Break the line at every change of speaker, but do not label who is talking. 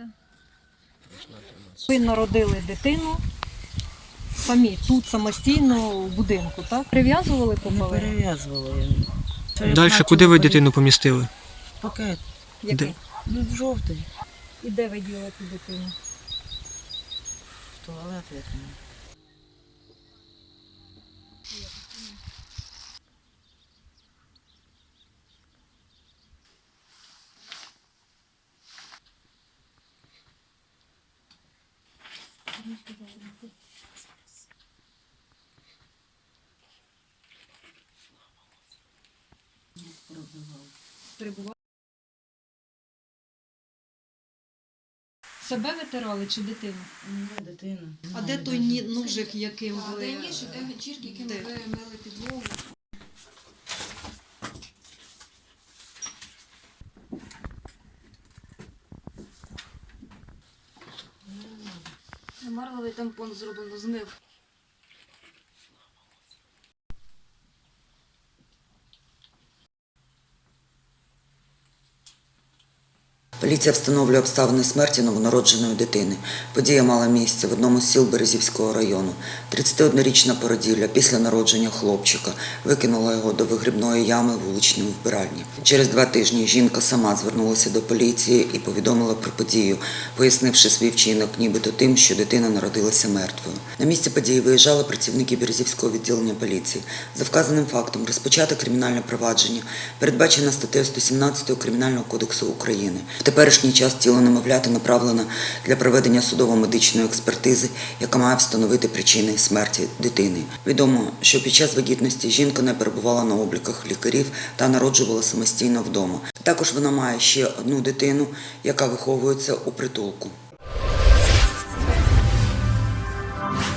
Ви народили дитину самі, тут самостійно в будинку, так? Прив'язували по
Не
половину?
перев'язувала я.
Далі куди ви дитину помістили?
Пакет.
Де?
Ну, в жовтий.
І де ви діли ту дитину?
В туалет який.
Перебували? Себе витирали чи дитину?
Дитина.
А де той ножик, яким ви...
Де ніж, де ганчірки, якими
Де?
ви мили підлогу. Марловий тампон зроблено, змив.
Поліція встановлює обставини смерті новонародженої дитини. Подія мала місце в одному з сіл Березівського району. 31-річна породілля після народження хлопчика викинула його до вигрібної ями вуличної вбиральні. Через 2 тижні жінка сама звернулася до поліції і повідомила про подію, пояснивши свій вчинок нібито тим, що дитина народилася мертвою. На місце події виїжджали працівники Березівського відділення поліції. За вказаним фактом розпочато кримінальне провадження, передбачено статтею 117 Кримінального кодексу України. В теперішній час тіло немовляти направлено для проведення судово-медичної експертизи, яка має встановити причини смерті дитини. Відомо, що під час вагітності жінка не перебувала на обліках лікарів та народжувала самостійно вдома. Також вона має ще одну дитину, яка виховується у притулку.